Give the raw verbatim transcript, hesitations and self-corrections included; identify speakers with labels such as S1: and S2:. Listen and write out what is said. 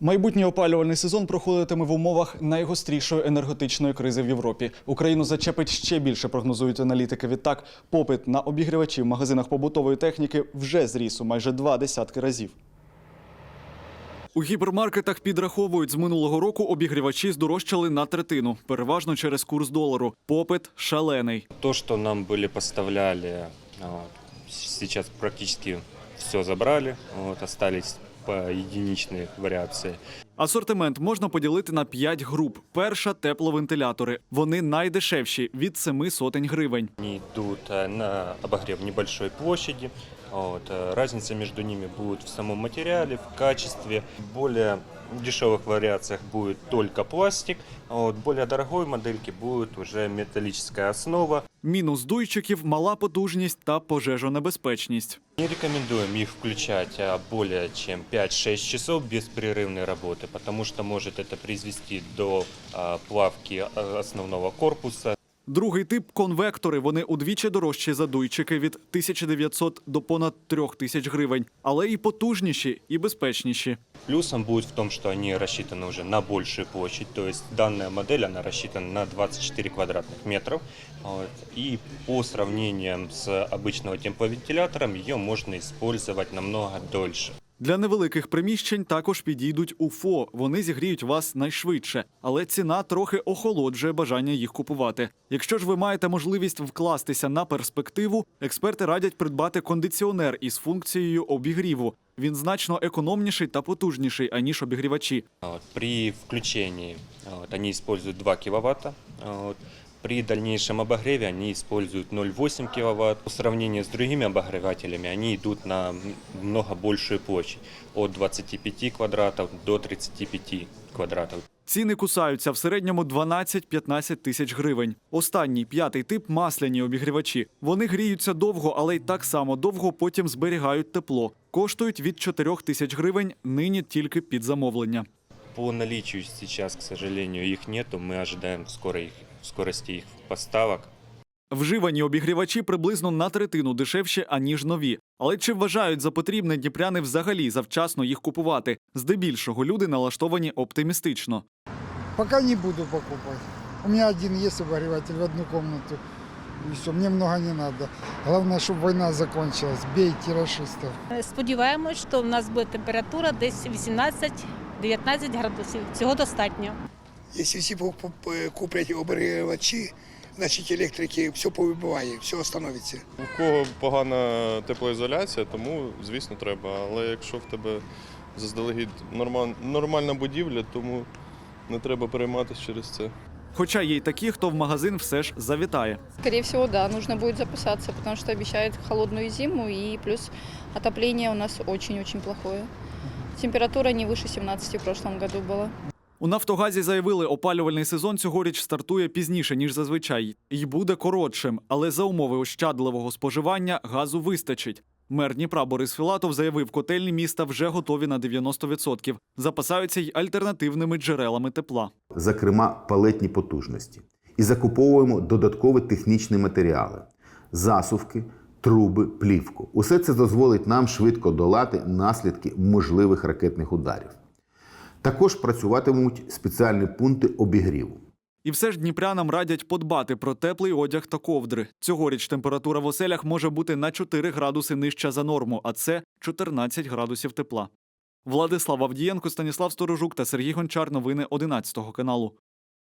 S1: Майбутній опалювальний сезон проходитиме в умовах найгострішої енергетичної кризи в Європі. Україну зачепить ще більше, прогнозують аналітики. Відтак, попит на обігрівачі в магазинах побутової техніки вже зріс у майже два десятки разів. У гіпермаркетах підраховують, з минулого року обігрівачі здорожчали на третину, переважно через курс долару. Попит шалений.
S2: То, что нам были поставляли, сейчас практически все забрали, вот, остались по единичные вариации.
S1: Асортимент можна поділити на п'ять груп. Перша – тепловентилятори. Вони найдешевші – від семи сотень гривень.
S2: Они идут на обогрев небольшой площади. Вот. Разница между ними будет в самом материале, в качестве. В более дешевых вариациях будет только пластик, а вот в более дорогой модельке будет уже металлическая основа.
S1: Мінус дуйчиків – мала потужність та пожежонебезпечність.
S2: Не рекомендуем их включать более чем пять-шесть часов беспрерывной работы, потому что может это произвести до плавки основного корпуса.
S1: Другий тип – конвектори. Вони удвічі дорожчі за дуйчики – від тисячі дев'ятсот до понад трьох тисяч гривень. Але і потужніші, і безпечніші.
S2: Плюсом будет в том, что они рассчитаны уже на большую площадь. То есть данная модель она рассчитана на двадцать четыре квадратных метров. Вот. И по сравнению с обычным тепловентилятором ее можно использовать намного дольше.
S1: Для невеликих приміщень також підійдуть УФО. Вони зігріють вас найшвидше. Але ціна трохи охолоджує бажання їх купувати. Якщо ж ви маєте можливість вкластися на перспективу, експерти радять придбати кондиціонер із функцією обігріву. Він значно економніший та потужніший, аніж обігрівачі.
S2: Вот. При включении вот, они используют два киловатта. Вот. При дальнейшем обогреве они используют ноль целых восемь десятых киловатт. По сравнению с другими обогревателями они идут на много большую площадь. От двадцати пяти квадратов до тридцати пяти квадратов.
S1: Ціни кусаються в середньому дванадцять-п'ятнадцять тисяч гривень. Останній, п'ятий тип – масляні обігрівачі. Вони гріються довго, але й так само довго потім зберігають тепло. Коштують від чотирьох тисяч гривень, нині тільки під замовлення.
S2: По наличию сейчас, к сожалению, их нету. Мы ожидаем скорой, скорости их поставок.
S1: Вживані обігрівачі приблизно на третину дешевші, аніж нові. Але чи вважають за потрібне дніпряни взагалі завчасно їх купувати? Здебільшого люди налаштовані оптимістично.
S3: Пока не буду покупать. У меня один есть обогреватель в одну комнату. И все, мне много не надо. Главное, чтобы война закончилась. Бейте рашистов.
S4: Сподіваємось, що в нас буде температура десь вісімнадцять-дев'ятнадцять градусів. Цього достатньо.
S5: Якщо всі куплять обігрівачі, значить електрики все повибиває, все остановиться.
S6: У кого погана теплоізоляція, тому, звісно, треба. Але якщо в тебе заздалегідь нормальна будівля, тому не треба перейматися через це.
S1: Хоча є й такі, хто в магазин все ж завітає.
S7: Скорее всего, да, нужно будет записаться, потому что обещают холодную зиму, и плюс отопление у нас очень-очень плохое. Температура не выше семнадцати в прошлом году была.
S1: У «Нафтогазі» заявили, опалювальний сезон цьогоріч стартує пізніше, ніж зазвичай. І буде коротшим, але за умови ощадливого споживання газу вистачить. Мер Дніпра Борис Філатов заявив, котельні міста вже готові на дев'яносто відсотків. Запасаються й альтернативними джерелами тепла.
S8: Зокрема, палетні потужності. І закуповуємо додаткові технічні матеріали – засувки, труби, плівку. Усе це дозволить нам швидко долати наслідки можливих ракетних ударів. Також працюватимуть спеціальні пункти обігріву.
S1: І все ж дніпрянам радять подбати про теплий одяг та ковдри. Цьогоріч температура в оселях може бути на чотири градуси нижча за норму, а це чотирнадцять градусів тепла. Владислав Авдієнко, Станіслав Сторожук та Сергій Гончар. Новини одинадцятого каналу.